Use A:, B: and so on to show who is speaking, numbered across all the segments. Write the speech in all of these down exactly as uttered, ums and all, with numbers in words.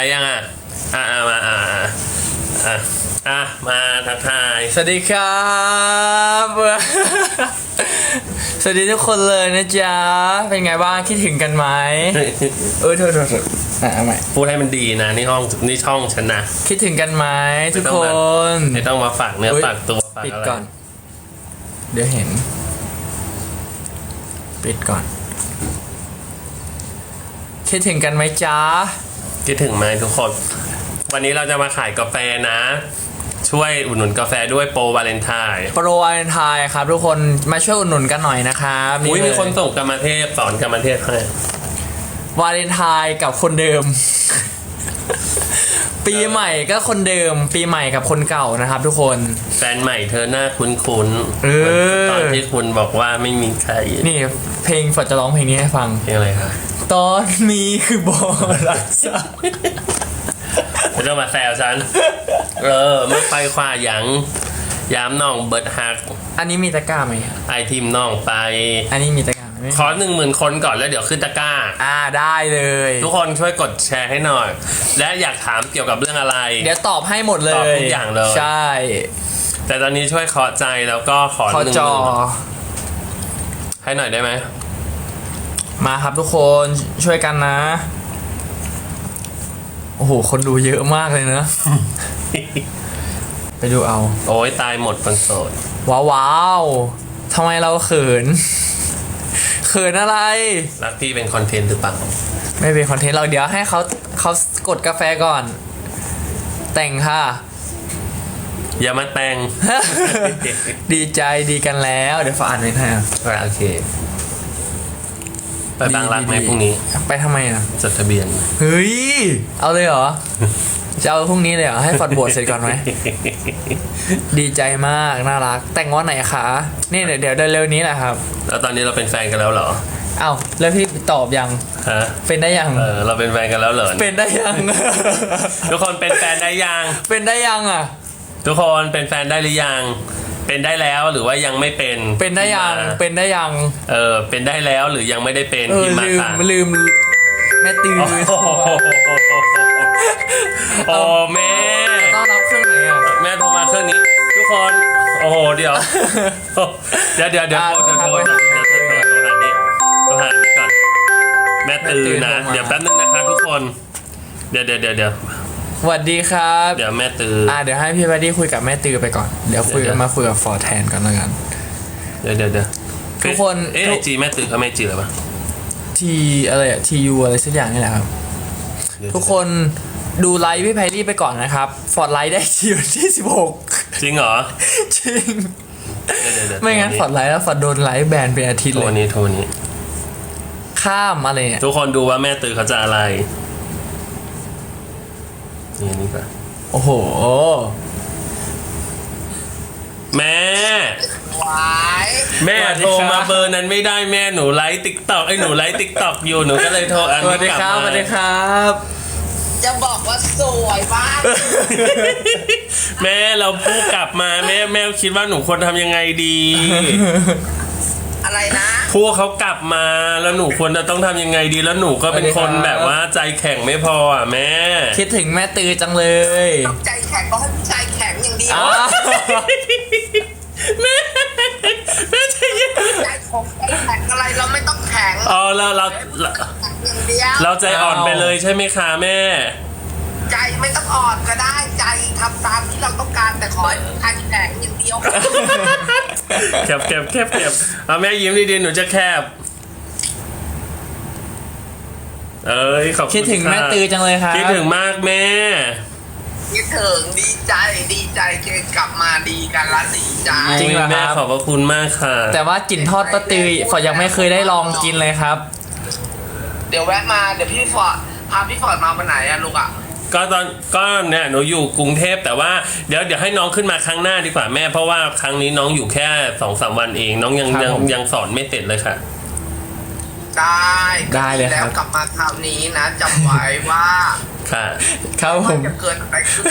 A: ยังอ่ะอ่ะมาอ่ะอ่ะอ่ะมาทักทาย
B: สวัสดีครับสวัสดีทุกคนเลยนะจ๊ะเป็นไงบ้างคิดถึงกันไหมเออโทษโทษโทษอ่ะเอาใหม่
A: พูดให้มันดีนะนี่ห้องนี่ช่องฉันนะ
B: คิดถึงกันไหมทุกคน
A: ไม่ต้องมาฝากเนื้อฝากตัวฝากอะไรปิดก่อน
B: เดี๋ยวเห็นปิดก่อนคิดถึงกันไหมจ๊ะ
A: คิดถึงไหมทุกคนวันนี้เราจะมาขายกาแฟนะช่วยอุดหนุนกาแฟด้วยโปรวาเลนไทน์
B: โปรวาเลนไทน์ครับทุกคนมาช่วยอุดหนุนกันหน่อยนะครับ
A: อุ้ยมีคนส่งกรรมเทพสอนกรรมเทพให้
B: วาเลนไทน์กับคนเดิม ปีใหม่ก็คนเดิมปีใหม่กับคนเก่านะครับทุกคน
A: แฟนใหม่เธอหน้าคุ้นๆ
B: เออ
A: ตอนที่คุณบอกว่าไม่มีใคร
B: นี่เพลงฝนจะร้องเพลงนี้ให้ฟัง
A: เพลงอะไรคะ
B: ตอนมีคือบอรักษา
A: ไม่ต้องมาแซวฉันเออไม่ไปคว้าหยังย้ำน้องเบิร์ดฮัก
B: อันนี้มีตะกร้าไหม
A: ไอทีมน้องไป
B: อันนี้มีตะกร้าไหม
A: ขอหนึ่งหมื่นคนก่อนแล้วเดี๋ยวขึ้นตะกร้า
B: อ่าได้เลย
A: ทุกคนช่วยกดแชร์ให้หน่อยและอยากถามเกี่ยวกับเรื่องอะไร
B: เดี๋ยวตอบให้หมดเลย
A: ตอบทุกอย่างเลย
B: ใช่
A: แต่ตอนนี้ช่วยเคาะใจแล้วก็ขอหนึ่งหมื่นให้หน่อยได้ไหม
B: มาครับทุกคนช่วยกันนะโอ้โหคนดูเยอะมากเลยเนอะ ไปดูเอา
A: โอ้ยตายหมดคนโสด
B: ว้าวว้าวทำไมเราเขินเขินอะไร
A: รักพี่เป็นคอนเทนต์หรือเปล่า
B: ไม่เป็นคอนเทนต์เราเดี๋ยวให้เขาเขากดกาแฟก่อนแต่งค่ะ
A: อย่ามาแต่ง
B: ดีใจดีกันแล้วเดี๋ยวฝากอ่านไว้ให้
A: โอเคไปบางรักไหมพรุ่งนี้
B: ไปทำไมอ่ะ
A: จดทะเบียน
B: เฮ้ยเอาเลยเหรอจะเอาพรุ่งนี้เลยเหรอให้ฟอดบวชเสร็จก่อนไหมดีใจมากน่ารักแต่งวันไหนคะนี่เดี๋ยวเดี๋ยวเร็วนี้แหละครับ
A: แล้วตอนนี้เราเป็นแฟนกันแล้วเหรอ
B: เอ้าแล้วพี่ตอบยัง
A: ฮะ
B: เป็นได้ยัง
A: เออเราเป็นแฟนกันแล้วเหรอ
B: เป็นได้ยัง
A: ทุกคนเป็นแฟนได้ยัง
B: เป็นได้ยังอ่ะ
A: ทุกคนเป็นแฟนได้หรือยังเป็นได้แล้วหรือว่ายังไม่เป็น
B: เป็นได้ยังเป็นได้ยัง
A: เออเป็นได้แล้วหรือยังไม่ได้เป็น
B: พิมพ์มาค่ะลืมแม่ตื่น
A: โอ้แม่
B: ต้องรับเครื่องไหนอ่ะ
A: แม่โทรมาเครื่องนี้ทุกคนโอ้โหเดี๋ยวเดี๋ยวเดี๋ยวเดี๋ยวโทรเดี๋ยวโทรเดี๋ยวโทรเดี๋ยวโทรโทรหานี้โทรหานี้ก่อนแม่ตื่นนะเดี๋ยวแป๊บนึงนะคะทุกคนเดี๋ยวเดี๋ยวเดี๋ยวเดี๋ยว
B: สวัสดีครับ
A: เดี๋ยวแม่ตือ
B: อ่าเดี๋ยวให้พี่บัดดี้คุยกับแม่ตือไปก่อนเดี๋ยวคุยกันมาคุยกับฟอร์แทนก่อนแล้วกัน
A: เดี๋ยวเดี๋ยวเดี๋ยว
B: ทุกคน
A: เอ๊ะไอจีแม่ตือเขาไม่จีหรอปะ
B: ทีอะไรอะทียูอะไรสักอย่างนี่แหละครับทุกคนดูไลฟ์พี่ไพรี่ไปก่อนนะครับฟอร์ดไลฟ์ได้ทีวันที่สิบหก
A: จริงเหรอ
B: จริงไม่งั้นฟอร์ดไลฟ์แล้วฟอร์ดโดนไลฟ์แบนเป็นอาทิตย์เลย
A: โทรนี้โทรนี้
B: ข้ามอะไร
A: ทุกคนดูว่าแม่ตือเขาจะอะไรนี่นี่ป่ะ
B: โอ้โห
A: แม่แม่โทรมาเบอร์นั้นไม่ได้แม่หนูไลฟ์ติ๊กต็อกไอ้หนูไลฟ์ติ๊กต็อกอยู่หนูก็เลยโทรอันนี้กลับมา
B: สวัสดีครับ
C: จะบอกว่าสวยมาก
A: แม่เราพูดกลับมาแม่แม่คิดว่าหนูควรทำยังไงดี
C: อะไรนะ
A: พวกเขากลับมาแล้วหนูควรจะต้องทำยังไงดีแล้วหนูก็เป็นคนแบบว่าใจแข็งไม่พออ่ะแม่
B: คิดถึงแม่ตือจังเลย
C: ต้องใจแข็งก็ให้ใจแข็งอย่างเดียว
A: แม่แม่ใจเย็น
C: ใจของใจแข็งอะไรเราไม่ต้องแข็ง
A: อ๋อเราเราเราใจอ่อนไปเลยใช่ไหมคะแม่
C: ใจไม่ต้องอ่อนก็ได้ใจทำตามที่เราต้องการแต่ขอใจแข็งอย่างเดียว
A: แคบแคบแคบแคบเอาแม่ยิ้มดีๆหนูจะแคบเอ้ยขอบคุณ
B: คิดถึงแม่ตือจังเลยครับ
A: คิดถึงมากแม่
C: คิดถึงดีใจดีใจเจอกลับมาดีกันละดีใจ
A: จริงแม่ขอบพระคุณมากค่ะ
B: แต่ว่ากลิ่นทอดป้าตือฝอยังไม่เคยได้ลองกินเลยครับ
C: เดี๋ยวแวะมาเดี๋ยวพี่ฟอร์ดพาพี่ฟอร์ดมาวันไหนอะลูกอะ
A: ก็ตอนก็เนี่ยหนูอยู่กรุงเทพแต่ว่าเดี๋ยวเดี๋ยวให้น้องขึ้นมาครั้งหน้าดีกว่าแม่เพราะว่าครั้งนี้น้องอยู่แค่สองสามวันเองน้องยังยังยังสอนไม่เสร็จเลยค่ะ
C: ได้
B: ได้เลยครับ
C: แล้วกลับมาคราวนี้นะจำไว้ว่า
A: ค่ะ
B: ครับผม
C: จะเกิดอะไรขึ้น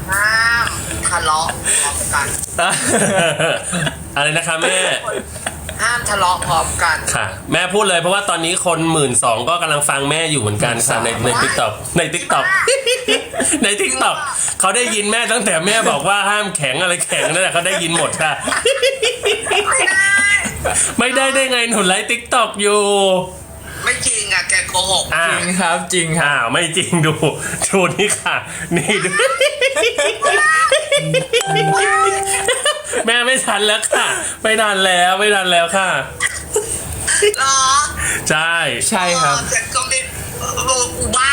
C: ห้ามทะเลาะกัน
A: อะไรนะคะแม่
C: ห้ามทะเลาะพร้อมกัน
A: ค่ะ แม่พูดเลยเพราะว่าตอนนี้คนหมื่นสองก็กำลังฟังแม่อยู่เหมือนกันค่ะในในทิกตอกในทิกตอกในทิกตอกเขาได้ยินแม่ตั้งแต่แม่บอกว่าห้ามแข็งอะไรแข็งนั่นแหละเขาได้ยินหมดค่ะ
C: ไม่ได้
A: ไม่ได้ได้ไงหนูไลฟ์ทิกตอกอยู่
C: ไม่จริงอ่ะแกโกหก
A: อ่า
B: จริงครับจริงครับ
A: อ้าวไม่จริงดูดูนี่ค่ะ นี่ดู แม่ไม่ทันแล้วค่ะ ไม่ทันแล้วไม่ทันแล้วค่ะ
C: เหรอ
A: ใช่
B: ใช่ครับ
C: เออแต่ก็ไม่โลกูบ้า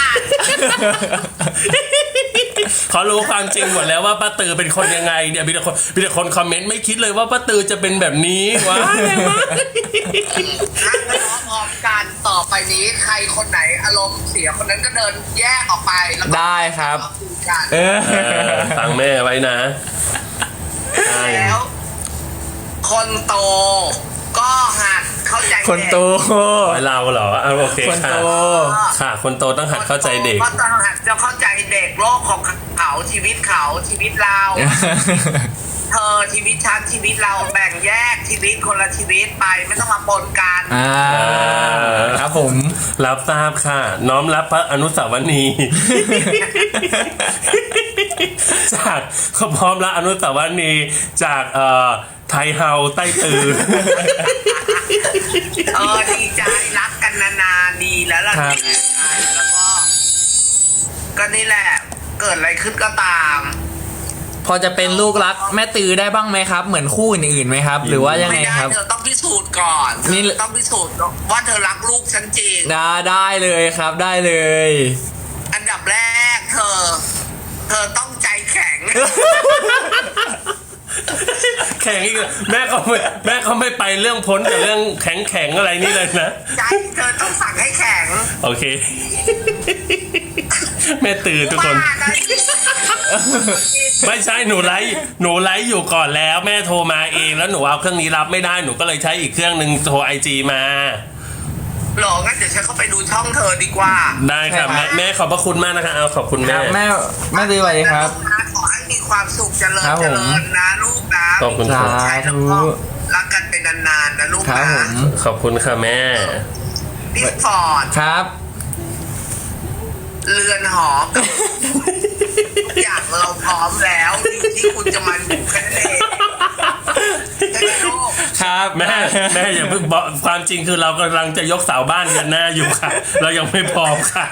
A: เขารู้ความจริงหมดแล้วว่าป้าตือเป็นคนยังไงเนี่ยมีแต่คนมีแต่คนคอมเมนต์ไม่คิดเลยว่าป้าตือจะเป็นแบบนี้ว้ายแรงมาก
C: ห้ามทะเลาะพร้อมกันต่อไปนี้ใครคนไหนอารมณ์เสียคนนั้นก็เดินแยกออกไปแล้วก็
B: ได้ครับ
C: มาคุยกัน
B: เออ
A: เออฟังแม่ไว้นะใช่
C: แล้ว คนโตก็หัดเข้าใจ
B: คนโต
A: ไว้เราเหรออ่ะโอเค
B: คน
A: ค่ะ
B: โต
A: ค่ะ คนโตต้องหัดเข้าใจเด็ก
C: ก็ต้องหัดจะเข้าใจเด็กโลกของเขาชีวิตเขาชีวิตเรา เธอชีวิตฉันชีวิตเราแบ่งแยกชีวิตคนละชีวิตไปไม่ต้องมาปนกัน
B: อ่าครับผม
A: รับทราบค่ะ น้อมรับพระอนุสาวรีย์ จากเขาพร้อมรับอนุสาวรีย์จากเอ่อไทยเฮาใต้ตือ
C: เออดีใจรักกันนานๆดีแล้วล่ะ
B: ครับ
C: ดีใจแล้วก็ก็นี่แหละ เกิดอะไรขึ้นก็ตาม
B: พอจะเป็นลูกรักแม่ตือได้บ้างไหมครับ เหมือนคู่อื่นๆไหมครับ หรือว่ายังไง
C: ไม่ได้
B: ครับ
C: เธอต้องพิสูจน์ก่อน
B: นี่
C: เธอต้องพิสูจน์ว่าเธอรักลูกฉันจริง
B: ได้ได้เลยครับได้เลย
C: อันดับแรกเธอ เธอต้องใจแข็ง
A: แข่งอีกแล้วแม่เขาไม่แม่เขาไม่ไปเรื่องพ้นกับเรื่องแข็งแข็งๆอะไรนี่เลยนะ
C: ใจเธอต้องสั่งให้แข็ง
A: โอเค แม่ตื่นทุกคน
C: ว่านะ
A: ไม่ใช่หนูไลฟ์หนูไลฟ์อยู่ก่อนแล้วแม่โทรมาเองแล้วหนูเอาเครื่องนี้รับไม่ได้หนูก็เลยใช้อีกเครื่องหนึ่งโทรไอจีมา
C: หรองั้นเดี๋ยวฉันเข้าไปดูช่องเธอดีกว่า
A: ได้ค่ะแม่แม่ขอบพระคุณมากนะคะเอาขอบคุณ
B: ค
A: แม่
B: รับแม่แม่ตือสวัสดีครับ
C: นะขอให้มีความสุขเจริญ
B: ครับผม
C: เจริญนะลูกนะ
A: ขอบคุณ
B: สา
A: ค่ะ
C: ใช่แล้ว
B: ธุ
C: ก็รักกันเป็นนานๆนะลูก
B: ครับ
C: นะ
B: ผม
A: ขอบคุณค่ะแม่
C: พี่ฟอร์ด
B: ครับ
C: เรือนหอกับทุกอย่างเราพร้อมแล้วอยู่ที่คุณจะมาอยู่แค่นั้นเองใช่ไหมลูก
B: ครับ
A: แม่แม่อย่าเพิ่งบอกความจริงคือเรากำลังจะยกเสาบ้านกันหน้าอยู่ค่ะ เรายังไม่พร้อมค่ะ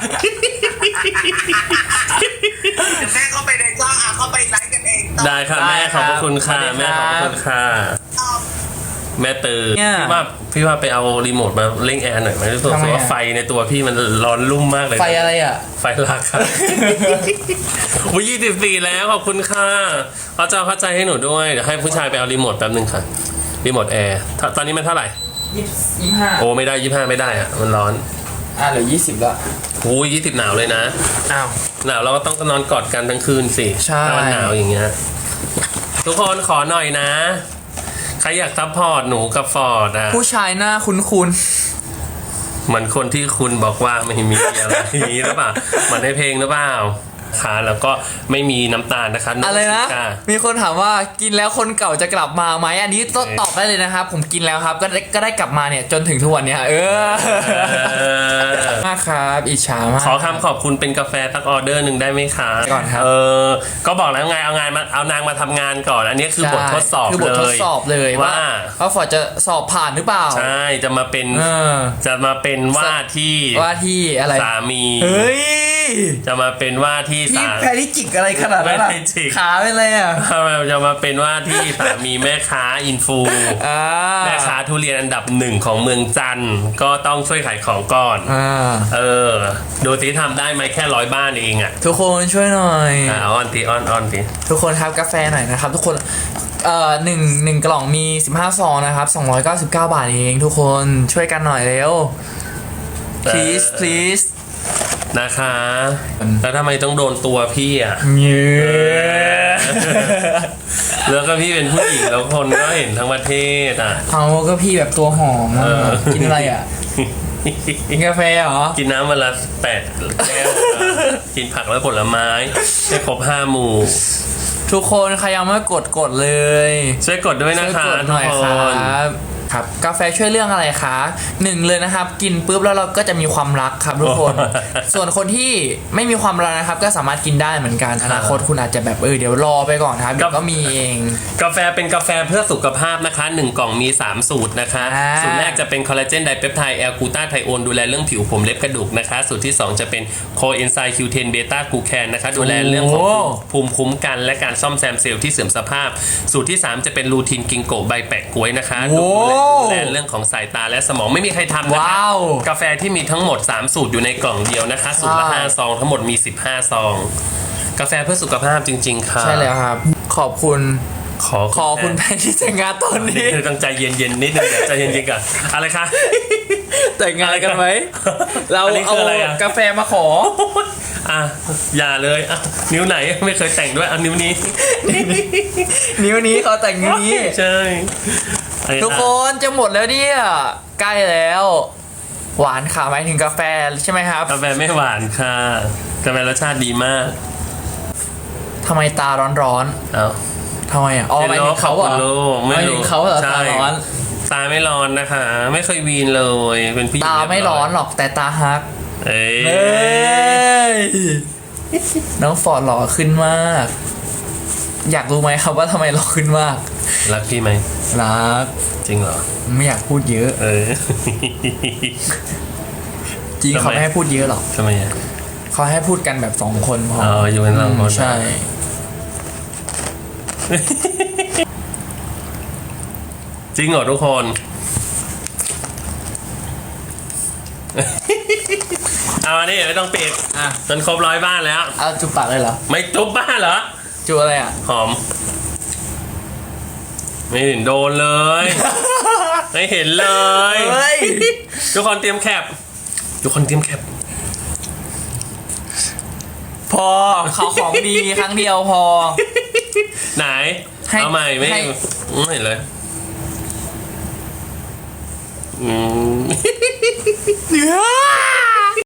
C: เดี๋ยวแม่เข้าไปในช่องอ่ะเข้าไปไลฟ์กันเองต่อ
A: ได้ค่ะแม่ขอบพระคุณค่ะแม่ขอบพระคุณค่ะ แม่ตื่น
B: เนี่ย
A: พี่ว่าพี่ว่าไปเอารีโมทมาเร่งแอร์หน่อยไหมรู้สึก
B: ทำไมอะ
A: ว่าไฟในตัวพี่มันร้อนรุ่มมากเลย
B: ไฟอะไรอ่ะ
A: ไฟลักค่ะ อุ้ยยี่สิบสี่แล้วขอบคุณค่ะเขาจะเข้าใจให้หนูด้วยเดี๋ยวให้ผู้ชายไปเอารีโมทแป๊บนึงค่ะรีโมทแอร์ถ้าตอนนี้มันเท่าไหร่
B: ยี่สิบห้า
A: โอ้ไม่ได้ยี่ห้าไม่ได้อะมันร้อน
B: อ่ะเหลือยี่สิบละ
A: อุ้ยยี่สิบหนาวเลยนะ
B: อ้าว
A: หนาวเราก็ต้องนอนกอดกันทั้งคืนสิ
B: ใช่
A: ถ้ามันหนาวอย่างเงี้ยทุกคนขอหน่อยนะใครอยากซัพพอร์ตหนูกับฟอร์ดอ่ะ
B: ผู้ชายหน้าคุ้น
A: เหมือนคนที่คุณบอกว่าไม่มีอะไรอย่างนี้หรือเปล่าเหมือนในเพลงหรือเปล่าค่ะแล้วก็ไม่มีน้ำตาลนะคะ
B: ๆอะไรนะ
A: ค่ะ
B: มีคนถามว่ากินแล้วคนเก่าจะกลับมาไหมอันนี้ต้องตอบได้เลยนะครับ ผมกินแล้วครับ ก็ได้ก็ได้กลับมาเนี่ยจนถึงทุกวันเนี้ยเออ
A: เออ
B: มากครับอิจฉามาก
A: ขอคำขอบคุณเป็นกาแฟสักออเดอร์หนึ่งได้ไหมคะ
B: ก่อนครับ
A: เออก็บอกแล้วไงเอางานมาเอานางมาทำงานก่อน อันนี้คือบททดสอบ
B: คือบททดสอบเลย
A: ว่า
B: ว่าว่าฟอร์ดจะสอบผ่านหรือเปล่า
A: ใช่จะมาเป็น
B: เออ
A: จะมาเป็นว่าที่
B: ว่าที่อะไร
A: สามี
B: เฮ้ย
A: จะมาเป็นว่าที่
B: พี่
A: สา
B: แพริจิกอะไรขนาดนั้นอะ
A: แพริจิก
B: ขาเป็นอะไรอ่ะ
A: จะมาเป็นว่าที่สามีแม่ค้าอินฟู
B: อ่า
A: แม่ค้าทุเรียนอันดับหนึ่งของเมืองจันทร์ก็ต้องช่วยขายของก่อน
B: อ่า
A: เออ ดูสิทำได้ไหมแค่ร้อยบ้านเองอ่ะ
B: ทุกคนช่วยหน่อย
A: อ่ะออนทีออนออนที
B: ทุกคนครับกาแฟหน่อยนะครับ ทุกคนเอ่อหนึ่งหนึ่งกล่องมีสิบห้าซองนะครับสองร้อยเก้าสิบเก้าบาทเองทุกคนช่วยกันหน่อยเร็ว please please
A: นะคะ แล้วทำไมต้องโดนตัวพี่อ่ะ
B: เย้
A: แล้วก็พี่เป็นผู้หญิงแล้วคนก็เห็นทั้งประเทศอ่ะ
B: เอาก็พี่แบบตัวหอมอะ
A: เออ
B: กินอะไรอ่ะ กินกาแฟเหรอ
A: กินน้ำวันละแปดแก้วอ่ะกินผักและผลไม้ให้ครบห้าหมู่
B: ทุกคนใครยังไม่กดกดเลย
A: ช่วยกดด้วยนะ
B: ช่วย
A: คะ
B: กดห
A: ทุ
B: น่
A: ก
B: อย
A: ค
B: ครั
A: น
B: บครับกาแฟช่วยเรื่องอะไรคะหนึ่งเลยนะครับ กินปุ๊บแล้วเราก็จะมีความรักครับทุกคน ส่วนคนที่ไม่มีความรักนะครับ ก็สามารถกินได้เหมือนกันอนาคตคุณอาจจะแบบเออเดี๋ยวรอไปก่อนครับเดี๋ยวก็มีเอง
A: กาแฟเป็นกาแฟเพื่อสุขภาพนะคะหนึ่งกล่องมีสามสูตรนะคะ
B: อ่า
A: สูตรแรกจะเป็นคอลลาเจนไดเปปไทด์แอลกูตาไทโอนดูแลเรื่องผิวผมเล็บกระดูกนะคะสูตรที่สองจะเป็นโคเอนไซม์คิวเทนเบต้ากลูแคนนะคะดูแลเรื่องของภูมิคุ้มกันและการซ่อมแซมเซลล์ที่เสื่อมสภาพ สูตรที่สามจะเป็นลูทินกิงโกใบแปะก๊วยนะคะดูแลดูแลเรื่องของสายตาและสมองไม่มีใครทำนะคะ
B: ว้าว
A: กาแฟที่มีทั้งหมดสามสูตรอยู่ในกล่องเดียวนะคะสูตรละ
B: ใช่
A: ห้าซองทั้งหมดมีสิบห้าซองกาแฟเพื่อสุขภาพจริง ๆค่ะ
B: ใช่แล้วครับ ขอบคุณ
A: ขอ
B: ขอคุณแพนที่แต่งงานตอนนี้
A: นี่ต้องใจเย็นๆนิดนึงเดี๋ยวใจเย็นๆก่อนอะไรคะ
B: แต่งงานกันไหมเรา
A: อันนี้
B: เอา
A: คืออะไรอะ
B: กาแฟมาขอ
A: อ่ะอย่าเลยอ่ะนิ้วไหนไม่เคยแต่งด้วยเอานิ้วนี้
B: นิ้วนี้เขาแต่งนิ้วนี้
A: ใช่ไอ้
B: ทุกคนจะหมดแล้วเนี่ยใกล้แล้ว หวานค่ะหมายถึงกาแฟใช่ไหมครับ
A: กาแฟไม่หวานค่ะกาแฟรสชาติดีมาก
B: ทำไมตาร้อน
A: เอ้า
B: ๆทำไมอ่ะอ๋อหมายถึงเขาเหรอ
A: ลูก
B: หมายถึงเขาเหรอ
A: ใช่
B: ตาร้อน
A: ตาไม่ร้อนนะคะ ไม่เคยวีนเลยเป็นผู้หญิง
B: ตาไม่ร้อนหรอกแต่ตาฮัก
A: เอ้ย
B: เฮ้ยน้องฟอร์ดหล่อขึ้นมาก อยากรู้ไหมครับว่าทำไมหล่อขึ้นมาก
A: รักพี่ไหม
B: รัก
A: จริงเหรอ
B: ไม่อยากพูดเยอะ
A: เออ
B: จริง
A: ทำไม
B: เขาไม่ให้พูดเยอะหรอก
A: ทำไมอ่ะ
B: เขาให้พูดกันแบบสองคนพอ
A: อ๋ออยู่กันสองคน
B: ใช่
A: จริงเหรอทุกคน เอาอันนี้ไม่ต้องปิด
B: อ่ะ
A: จนครบร้อยบ้านแล้ว
B: เอาจุบปากเลยเหรอ
A: ไม่จุบบ้านเหรอ
B: จูอะไรอ่ะ
A: หอม ไม่เห็นโดนเลย ไม่เห็นเลย
B: เฮ้ย
A: ทุกคนเตรียมแคปทุกคนเตรียมแคป
B: พอเขาของดีครั้งเดียวพอ
A: ไหน
B: ให้
A: เอาใหม่ไม่
B: ให้
A: ไม่เห็นเลยอืม
B: เนื้อ